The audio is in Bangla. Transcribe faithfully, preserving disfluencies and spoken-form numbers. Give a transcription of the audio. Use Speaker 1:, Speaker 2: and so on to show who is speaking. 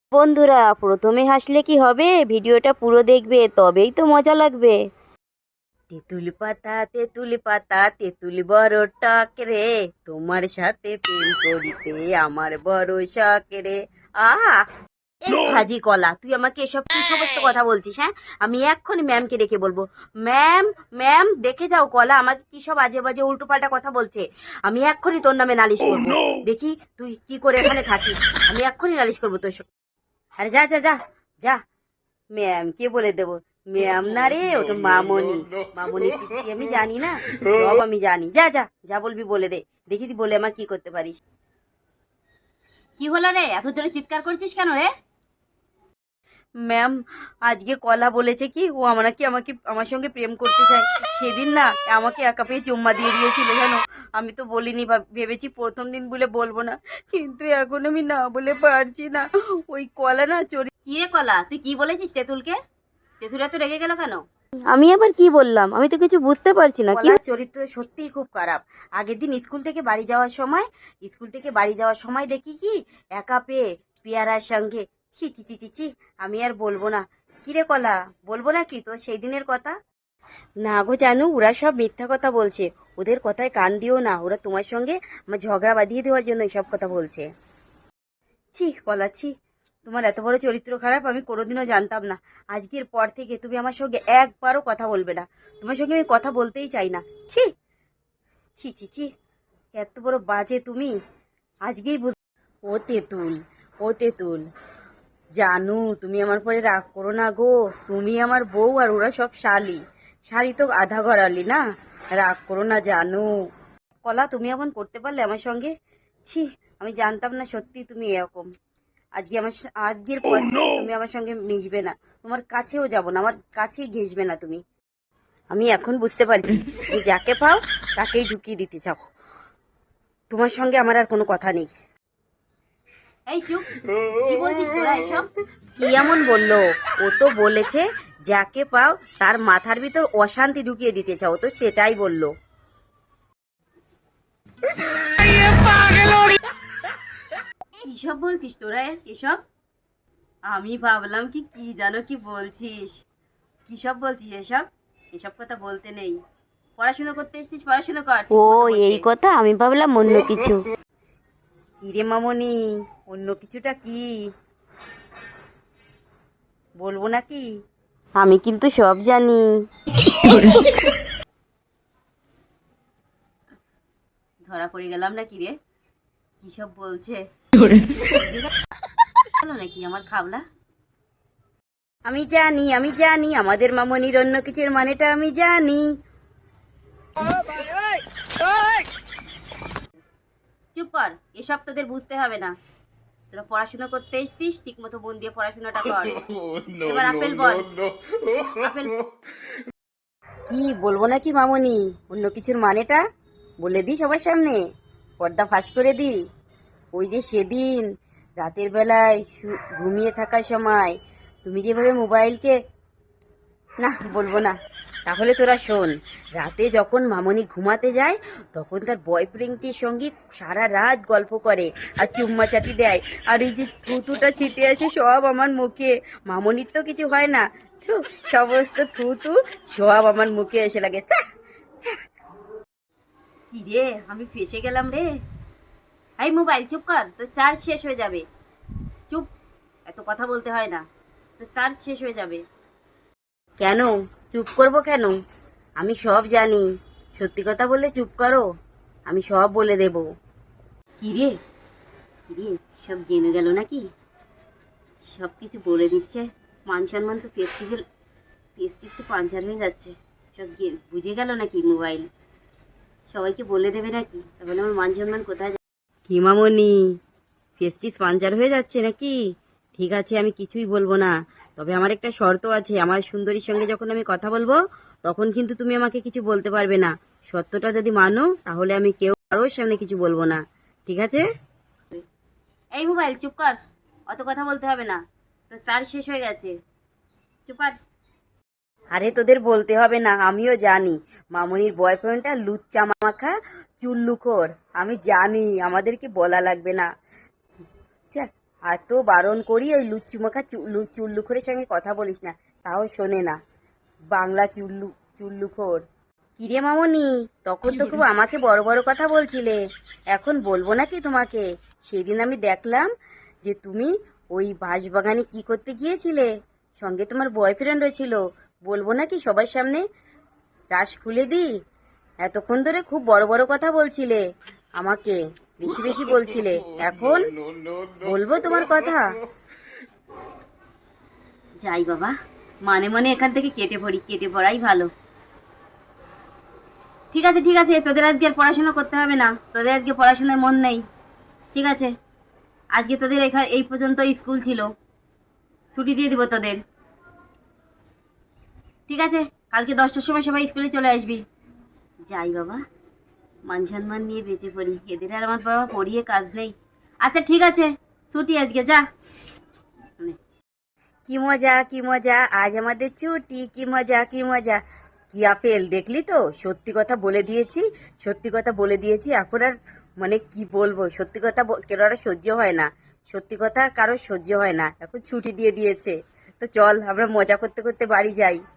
Speaker 1: বন্ধুরা, প্রথমে হাসলে কি হবে? ভিডিওটা পুরো দেখবে, তবেই তো মজা লাগবে। তেঁতুল পাতা তেঁতুল পাতা তেঁতুল বড় টক রে, তোমার সাথে প্রেম করিতে আমার বড় শখ রে। আহ এই ভাজি কলা, তুই আমাকে এসব কি সমস্ত কথা বলছিস? হ্যাঁ, আমি এক্ষুনি ম্যামকে ডেকে বলবো। ম্যাম, ম্যাম দেখে যাও, কলা আমাকে কি সব আজে বাজে উল্টো পাল্টা কথা বলছে। আমি এক্ষুনি তোর নামে নালিশ করবো। দেখি তুই কি করে এখানে থাকিস। আমি এক্ষুনি নালিশ করবো তোর সব। আরে যা যা যা যা, ম্যাম কে বলে দেবো? ম্যাম না রে, ওটা মামনি। মামনি কি আমি জানি না? সব আমি জানি। যা যা যা বলবি বলে দে, দেখি তুই বলে আমার কি করতে পারিস। কি হলো রে, এত জোরে চিৎকার করছিস কেন রে? ম্যাম, আজকে কলা বলেছে কি ও আমার নাকি আমাকে আমার সঙ্গে প্রেম করতে চায়। সেদিন না আমাকে একা পেয়ে চুম্মা দিয়ে দিয়েছিল জানো। আমি তো বলিনি, ভেবেছি প্রথম দিন বলে বলবো না, কিন্তু এখন আমি না বলে পারছি না। ওই কলা না চোরি। কি রে কলা, তুই কি বলেছিস তেঁতুলকে? তেঁতুল এত রেগে গেল কেন? আমি আবার কি বললাম? আমি তো কিছু বুঝতে পারছি না। কি চরিত্র সত্যিই খুব খারাপ। আগের দিন স্কুল থেকে বাড়ি যাওয়ার সময় স্কুল থেকে বাড়ি যাওয়ার সময় দেখি কি একা পেয়ে পেয়ারার সঙ্গে। ছি ছি ছি ছি ছি, আমি আর বলবো না। কিরে কলা, বলবো না কি তোর সেই দিনের কথা? না গো জানু, ওরা সব মিথ্যা কথা বলছে। ওদের কথায় কান দিও না, ওরা তোমার সঙ্গে আমার ঝগড়া বাঁধিয়ে দেওয়ার জন্য এসব কথা বলছে। ছি কলা, ছি, তোমার এত বড় চরিত্র খারাপ আমি কোনোদিনও জানতাম না। আজকের পর থেকে তুমি আমার সঙ্গে একবারও কথা বলবে না। তোমার সঙ্গে আমি কথা বলতেই চাই না। ছি ছি ছি ছি, এত বড় বাজে তুমি। আজকেই বুঝ। ও তেঁতুল, ও তেঁতুল, জানু তুমি আমার পরে রাগ করো না গো। তুমি আমার বউ আর ওরা সব শালি। শালি তো আধা ঘরালি না। রাগ করো না জানু। কলা, তুমি এমন করতে পারলে আমার সঙ্গে? ছি, আমি জানতাম না সত্যি তুমি এরকম। আজকে আমার স- আজকের পর থেকে তুমি আমার সঙ্গে মিশবে না। তোমার কাছেও যাব না, আমার কাছেই ঘেসবে না তুমি। আমি এখন বুঝতে পারছি যে যাকে পাও তাকেই ঢুকিয়ে দিতে চাও। তোমার সঙ্গে আমার আর কোনো কথা নেই। এই চুপ, কি বলছিস তোরা এসব? কি এমন বললো? ও তো বলেছে যাকে পাও তার মাথার ভিতর অশান্তি ঢুকিয়ে দিতে চাও, তো সেটাই বললো। কিসব বলছিস তোরা এসব? আমি ভাবলাম কি কি জানো কি বলছিস। কিসব বলছিস এসব? এসব কথা বলতে নেই। পড়াশোনা করতে এসেছিস, পড়াশোনা কর। ও এই কথা, আমি ভাবলাম অন্য কিছু। কি রে মামনি, অন্য কিছুটা কি? বলবো নাকি? আমি কিন্তু সব জানি। ধরা পড়ে গেলাম নাকি রে? কি সব বলছে? হলো নাকি আমার খাবলা? আমি জানি, আমি জানি আমাদের মামনির অন্য কিছুর মানেটা আমি জানি। চুপ কর, এসব তোদের বুঝতে হবে না। তোরা পড়াশোনা করতে এসছিস, ঠিক মতো মন দিয়ে পড়াশোনাটা কর। এবার আপেল বল। আপেল কি বলবো নাকি মামনি? অন্য কিছুর মানেটা বলে দি সবার সামনে, পর্দা ফাঁস করে দি। ওই যে সেদিন রাতের বেলায় শু- ঘুমিয়ে থাকার সময় তুমি যেভাবে মোবাইলকে, না বলবো না। তাহলে তোরা শোন, রাতে যখন মামনি ঘুমাতে যায় তখন তার বয়ফ্রেন্ডটির সঙ্গে সারা রাত গল্প করে আর চুম্মা চাটি দেয়। আর এই যে থুতুটা ছিটে আছে সব আমার মুখে। মামনির তো কিছু হয় না, থু, সমস্ত থুতু সব আমার মুখে এসে লাগে। কি রে, আমি ফেসে গেলাম রে। এই মোবাইল চুপ কর, তোর চার্জ শেষ হয়ে যাবে। চুপ, এত কথা বলতে হয় না, তোর চার্জ শেষ হয়ে যাবে। কেন চুপ করব কেন? আমি সব জানি। সত্যি কথা বললে চুপ করো, আমি সব বলে দেব। কিরে, কিরে, সব জেনে গেল নাকি? সব কিছু বলে দিচ্ছে। মান সম্মান তো পেস্টিজের পেস্টিজ তো পাঞ্চার হয়ে যাচ্ছে। সব গে- বুঝে গেল নাকি মোবাইল? সবাইকে বলে দেবে নাকি? তাহলে আমার মান সম্মান কোথায় যাবে? কি মামনি, পেস্টিজ পাঞ্চার হয়ে যাচ্ছে নাকি? ঠিক আছে, আমি কিছুই বলবো না। তবে আমার একটা শর্ত আছে, আমার সুন্দরীর সঙ্গে যখন আমি কথা বলবো তখন কিন্তু তুমি আমাকে কিছু বলতে পারবে না। সত্যটা যদি মানো তাহলে আমি কেউ কারোর সামনে কিছু বলবো না, ঠিক আছে? এই মোবাইল চুপ কর, অত কথা বলতে হবে না, তো চার্জ শেষ হয়ে গেছে। চুপ কর। আরে তোদের বলতে হবে না, আমিও জানি মামনির বয়ফ্রেন্ডটা লুচ্চা মাখা চুল্লুখোর। আমি জানি, আমাদেরকে বলা লাগবে না। আচ্ছা, এত বারণ করি ওই লুচ্চু মাখা চুল্লুখোরের সঙ্গে কথা বলিস না, তাও শোনে না। বাংলা চুল্লু চুল্লুখোর। কিরে মামনি, তখন তো খুব আমাকে বড় বড় কথা বলছিলে, এখন বলবো নাকি তোমাকে? সেদিন আমি দেখলাম যে তুমি ওই বাঁশবাগানে কি করতে গিয়েছিলে, সঙ্গে তোমার বয়ফ্রেন্ড হয়েছিল, বলবো নাকি সবার সামনে? রাস খুলে দি। এতক্ষণ ধরে খুব বড় বড় কথা বলছিলে, আমাকে বেশি বেশি বলছিলে, এখন বলবো তোমার কথা? যাই বাবা, মানে মনে এখান থেকে কেটে পড়ি, কেটে পড়াই ভালো। ঠিক আছে ঠিক আছে, তোদের আজকে আর পড়াশোনা করতে হবে না, তোদের আজকে পড়াশোনায় মন নেই, ঠিক আছে? আজকে তোদের এখানে এই পর্যন্ত স্কুল ছিল, ছুটি দিয়ে দিব তোদের, ঠিক আছে? কালকে দশটার সময় সবাই স্কুলে চলে আসবি। যাই বাবা, মান সম্মান নিয়ে বেঁচে পড়ি, এদের আর আমার বাবা পড়িয়ে কাজ নেই। আচ্ছা ঠিক আছে, ছুটি আজকে, যা। কি মজা কি মজা, আজ আমাদের ছুটি, কি মজা কি মজা। কি আপেল দেখলি তো, সত্যি কথা বলে দিয়েছি, সত্যি কথা বলে দিয়েছি, এখন আর মানে কি বলবো, সত্যি কথা কেন আর সহ্য হয় না, সত্যি কথা কারো সহ্য হয় না, এখন ছুটি দিয়ে দিয়েছে। তো চল আমরা মজা করতে করতে বাড়ি যাই।